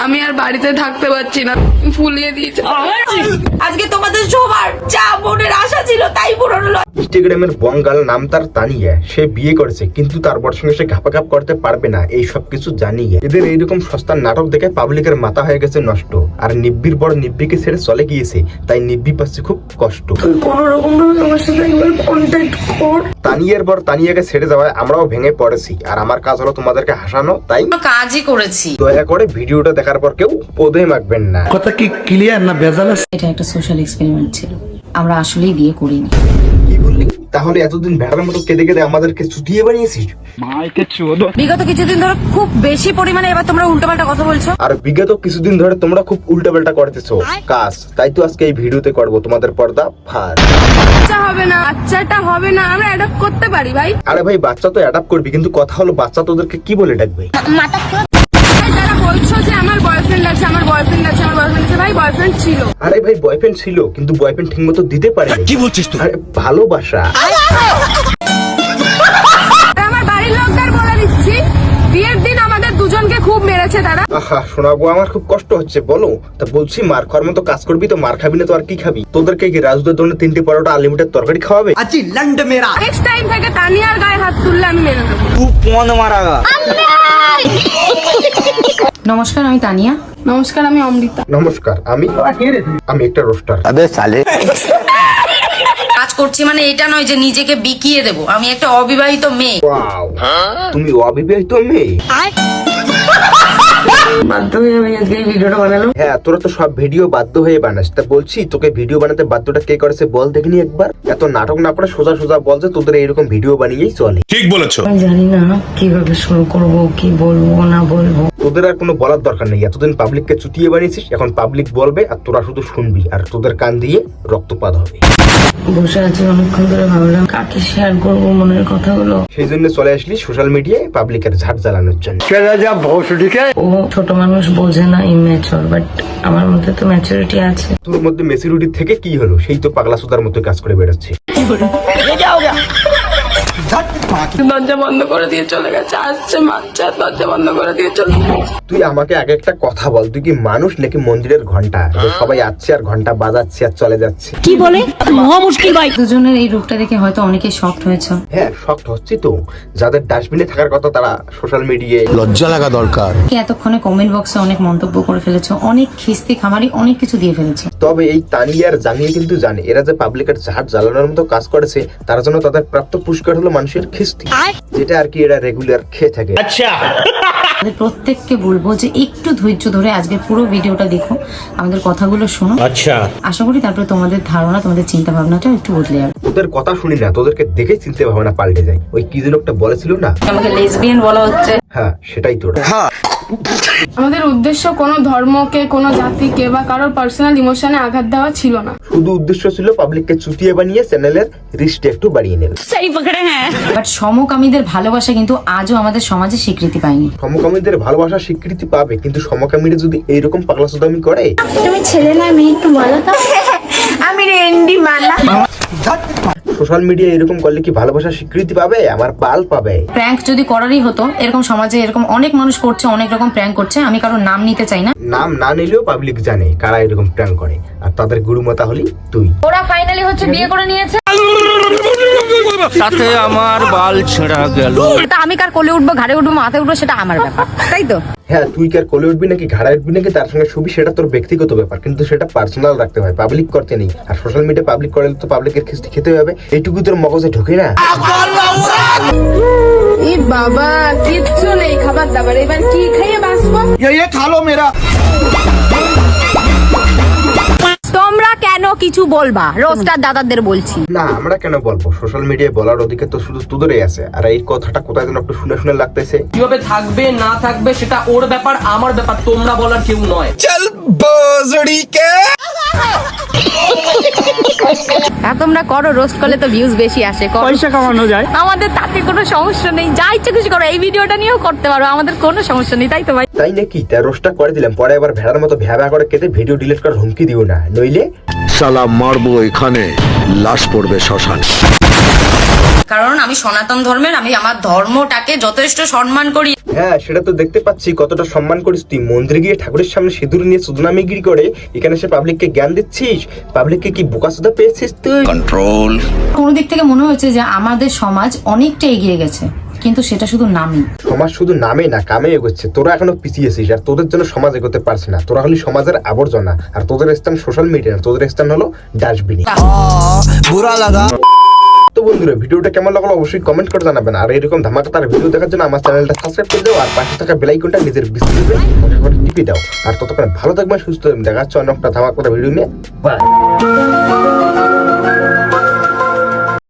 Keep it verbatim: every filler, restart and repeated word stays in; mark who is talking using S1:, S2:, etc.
S1: আমি আর বাড়িতে থাকতে পারছি না, ফুলিয়ে দিয়েছে।
S2: আজকে তোমাদের সবার যা মনের আশা ছিল তাই পূরণ হলো।
S3: ইনস্টাগ্রামের বঙ্গাল নাম তার তানিয়া, সে বিয়ে করেছে কিন্তু তার বর সঙ্গে সে ঘাপাঘাপ করতে পারবে না, এই সব কিছু জানিয়ে এদের এইরকম সস্তার নাটক দেখে পাবলিকের মাথা হয়ে গেছে নষ্ট। আর নিব্বির বড় নিব্বিকে ছেড়ে চলে গিয়েছে, তাই নিব্বি পাচ্ছে খুব কষ্ট।
S1: কোন রকম ভাবে তোমার সাথে একবার কন্ট্যাক্ট কর।
S3: তানিয়ার বর তানিয়াকে ছেড়ে যাওয়ায় আমরাও ভেঙে পড়েছি, আর আমার কাজ হলো তোমাদেরকে হাসানো, তাই
S2: কাজই করেছি।
S3: দয়া করে ভিডিওটা দেখার পর কেউ পদে মাখবেন না।
S4: কথা কি ক্লিয়ার না ভেজাল আছে?
S5: এটা একটা সোশ্যাল এক্সপেরিমেন্ট ছিল, আমরা আসলেই বিয়ে করিনি।
S3: কি বললি? তাহলে এতদিন ভেড়ার মতো কেঁদে কেঁদে আমাদেরকে চুটিয়ে বানিয়েছিস?
S2: বিগত কিছুদিন ধরে খুব বেশি পরিমাণে এবার তোমরা উল্টোপাল্টা কথা বলছো।
S3: আর বিগত কিছুদিন ধরে তোমরা খুব উল্টাপাল্টা করতেছো কাজ, তাই তো আজকে এই ভিডিওতে করবো তোমাদের পর্দা ফার।
S1: বাচ্চা হবে না, বাচ্চাটা হবে না, আমরা অ্যাডপ্ট করতে পারি ভাই।
S3: আরে ভাই বাচ্চা তো অ্যাডাপ্ট করবি, কিন্তু কথা হলো বাচ্চা তোদেরকে কি বলে ডাকবে?
S1: যারা বলছো যে আমার বয়ফ্রেন্ড আছে, আমার বয়ফ্রেন্ড আছে, আমার বয়ফ্রেন্ড আছে, ভাই বয়ফ্রেন্ড ছিল।
S3: আরে ভাই বয়ফ্রেন্ড ছিল, কিন্তু বয়ফ্রেন্ড ঠিক মতো দিতে পারে।
S4: কি বলছিস তুই?
S3: আরে ভালোবাসা।
S1: আমার বাড়ির লোকদের বলে দিচ্ছি, বিয়ের দিন আমাদের দুজনকে খুব মেরেছে তারা।
S3: আহা শোনাবো, আমার খুব কষ্ট হচ্ছে। বলো তা বলছি, মার খাওয়ার মতো কাজ করবি তো মার খাবি না তো আর কি খাবি? তোদেরকে কি রাজুদের জন্য তিনটে পরোটা আনলিমিটেড তরকারি খাওয়াবে?
S4: আজি লন্ড মেরা
S1: নেক্সট টাইম থেকে তানিয়ার গায়ে হাত তুললে আমি মেনে নেবো।
S4: তু কোন মারাগা।
S5: নমস্কার, আমি তানিয়া।
S1: নমস্কার, আমি অমৃতা।
S3: নমস্কার, আমি আমি একটা রোস্টার।
S4: আবে সালে
S2: কাজ করছি মানে এটা নয় যে নিজেকে বিকিয়ে দেবো। আমি একটা অবিবাহিত মেয়ে।
S3: ওয়াও, তুমি অবিবাহিত মেয়ে?
S1: বাধ্য হয়ে আমি আজকে এই ভিডিওটা বানালাম।
S3: হ্যাঁ, তোরা তো সব ভিডিও বাধ্য হয়ে বানাস। তা বলছি, তোকে ভিডিও বানাতে বাধ্যটা কে করেছে বল দেখিনি একবার। এত নাটক না করে সোজা সোজা বল যে তোদের এইরকম ভিডিও বানিয়েই চলে।
S6: ঠিক বলেছো।
S5: আমি জানি না কিভাবে শুরু করব, কি বলবো না বলবো।
S3: তোদের আর কোনো বলার দরকার নেই। এতদিন পাবলিককে চুটিয়ে বানিয়েছিস, এখন পাবলিক বলবে আর তোরা শুধু শুনবি, আর তোদের কান দিয়ে রক্তপাত হবে।
S5: বসে আছি অনেকক্ষণ ধরে, ভাবলাম কাকে শেয়ার করবো মনের কথাগুলো।
S3: সেই জন্য চলে আসলি সোশ্যাল মিডিয়ায় পাবলিকের ঝাট জ্বালানোর জন্য।
S5: ও ছোট মানুষ, বোঝে না, ইম্যাচিওর, বাট আমার মধ্যে তো ম্যাচুরিটি আছে।
S3: তোর মধ্যে মেসিরুটি থেকে কি হলো? সেই তো পাগলা সুদার মতো কাজ করে বেরোচ্ছে।
S1: দরজা বন্ধ করে দিয়ে চলে গেছে, আসছে বাচ্চা, দরজা বন্ধ করে দিয়ে চলে গেছে।
S3: তুই আমাকে আগে একটা কথা বল, তুই কি মানুষ নাকি মন্দিরের ঘন্টা? যে সবাই আসছে আর ঘন্টা বাজাচ্ছে আর চলে যাচ্ছে।
S5: কি বলে মহা মুশকিল ভাই। দুজনের এই রূপটা দেখে হয়তো অনেকে শকড হয়েছে।
S3: হ্যাঁ, শক্ত হচ্ছি তো। যাদের ডাস্টবিনে থাকার কথা তারা সোশ্যাল মিডিয়ায়
S4: লজ্জা লাগা দরকার।
S5: কে এতক্ষণে কমেন্ট বক্সে অনেক মন্তব্য করে ফেলেছো, অনেক খিস্তি খামারি অনেক কিছু দিয়ে ফেলেছে।
S3: তবে এই তানিয়ার জানিয়ে কিন্তু জানে এরা যে পাবলিকের ঝাড় জ্বালানোর মতো কাজ করেছে, তার জন্য তাদের প্রাপ্ত পুরস্কার হলো মানুষের খিস্তি, যেটা আর কি এরা রেগুলার খেয়ে থাকে।
S4: আচ্ছা,
S5: আমাদের প্রত্যেককে বলবো যে একটু ধৈর্য ধরে আজকের পুরো ভিডিওটা দেখো, আমাদের কথাগুলো শোনো।
S4: আচ্ছা,
S5: আশা করি তারপরে তোমাদের ধারণা, তোমাদের চিন্তা ভাবনাটা একটু বদলে যাবে।
S3: তোদের কথা শুনি না, তোদেরকে দেখে চিনতে ভাবনা পাল্টে যায়। ওই কি যেন একটা বলেছিল না,
S2: আমাকে লেসবিয়ান বলা হচ্ছে।
S3: হ্যাঁ সেটাই তোরা।
S1: আমাদের উদ্দেশ্য কোনো ধর্মকে, কোনো জাতিকে বা কারোর পার্সোনাল ইমোশনে আঘাত দেওয়া ছিল না।
S3: শুধু উদ্দেশ্য ছিল পাবলিককে চুটিয়ে বানিয়ে চ্যানেলের রিচটা একটু বাড়িয়ে নেবে।
S5: বাট সমকামীদের ভালোবাসা কিন্তু আজও আমাদের সমাজে স্বীকৃতি পায়নি।
S3: সমকামীদের ভালোবাসা স্বীকৃতি পাবে, কিন্তু সমকামীরা যদি এইরকম পাগলা সুদামি করে।
S7: তুমি ছেলে না মেয়ে একটু বলো তো। আমি রেন্ডি মালা।
S3: সোশ্যাল মিডিয়া এরকম করলে কি ভালোবাসা স্বীকৃতি পাবে? আমার পাল পাবে।
S5: প্র্যাঙ্ক যদি করারই হতো, এরকম সমাজে এরকম অনেক মানুষ করছে, অনেক রকম প্র্যাঙ্ক করছে, আমি কারোর নাম নিতে চাই না।
S3: নাম না নিলেও পাবলিক জানে কারা এরকম প্র্যাঙ্ক করে, আর তাদের গুরুমাতা হলি তুই।
S2: ওরা ফাইনালি হচ্ছে বিয়ে করে নিয়েছে।
S4: তাতে আমার বাল ছেঁড়া গেল।
S2: তা আমি কার কোলে উঠবো, ঘাড়ে উঠবো, মাথায় উঠবো, সেটা আমার ব্যাপার, তাই তো?
S3: হ্যাঁ, তুই কার কোলে উঠবি নাকি ঘাড়ায় উঠবি নাকি তার সঙ্গে ছবি, সেটা তোর ব্যক্তিগত ব্যাপার, কিন্তু সেটা পার্সোনাল রাখতে হয়, পাবলিক করতে নেই। আর সোশ্যাল মিডিয়া পাবলিক করলে তো পাবলিকের খিস্তি খেতে হবে, এইটুকু তোর মগজে ঢোকে না।
S1: এই বাবা, কিচ্ছু নেই খাবার দাবার, এবার কি খাইয়ে বাঁচবো?
S4: ये खा लो मेरा।
S2: তোমরা কেন কিছু বলবা? রোস্টার দাদাদের বলছি।
S3: না, আমরা কেন বলবো? সোশ্যাল মিডিয়ায় বলার অধিকার তো শুধু তোদেরই আছে। আর এই কথাটা কোথায় যেন একটু শুনে শুনে লাগতেছে।
S8: কিভাবে থাকবে না থাকবে সেটা ওর ব্যাপার, আমার ব্যাপার, তোমরা বলার কেউ নয়।
S2: আর তোমরা করো, রোস্ট করলে তো ভিউজ বেশি আসে,
S4: পয়সা কামানো যায়।
S2: আমাদের তাতে কোনো সমস্যা নেই, যা ইচ্ছে কিছু করো। এই ভিডিওটা নিয়েও করতে পারো, আমাদের কোনো সমস্যা নেই, তাই তো ভাই?
S3: তাই নাকি? তার রোস্টটা করে দিলাম, পরে আবার ভেড়ার মতো ভ্যা ভ্যা করে কেটে ভিডিও ডিলিট করার হুমকি দিও না, নইলে
S6: শালা মারবো এখানে, লাশ পড়বে শ্মশানে।
S2: কারণ আমি সনাতন ধর্মের, আমি আমার ধর্মটাকে যথেষ্ট সম্মান করি।
S3: হ্যাঁ, সেটা তো দেখতে পাচ্ছি কতটা সম্মান করিস তুই। মন্দিরে গিয়ে ঠাকুরের সামনে সিঁদুর নিয়ে সুদনামিগিরি করে এখানে সে পাবলিককে জ্ঞান দিচ্ছিস। পাবলিককে কি বোকাসোদা পেয়েছিস তুই?
S4: कंट्रोल
S5: কোনো দিক থেকে মনে হচ্ছে যে আমাদের সমাজ অনেকটা এগিয়ে গেছে, কিন্তু সেটা শুধু নামই।
S3: সমাজ শুধু নামে না কামে এগোচ্ছে। তোরা এখনো পিছিয়েছিস আর তোদের জন্য সমাজ এগোতে পারছে না। তোরা হলি সমাজের আবর্জনা আর তোদের স্থান সোশ্যাল মিডিয়া, তোদের স্থান হলো ডাস্টবিনে।
S4: बुरा लगा
S3: তো বন্ধুরা, ভিডিওটা কেমন লাগলো অবশ্যই কমেন্ট করে জানাবেন। আর এরকম ধামাকাদার ভিডিও দেখার জন্য আমার চ্যানেলটা সাবস্ক্রাইব করে দাও আর পাশে থাকা বেল আইকনটা নিজের বিস্তারিত টিপে দাও। আর ততক্ষণ ভালো থাকবেন, সুস্থ থাকবেন। দেখা হচ্ছে অন্য একটা ধামাকাদার ভিডিও নিয়ে। বাই।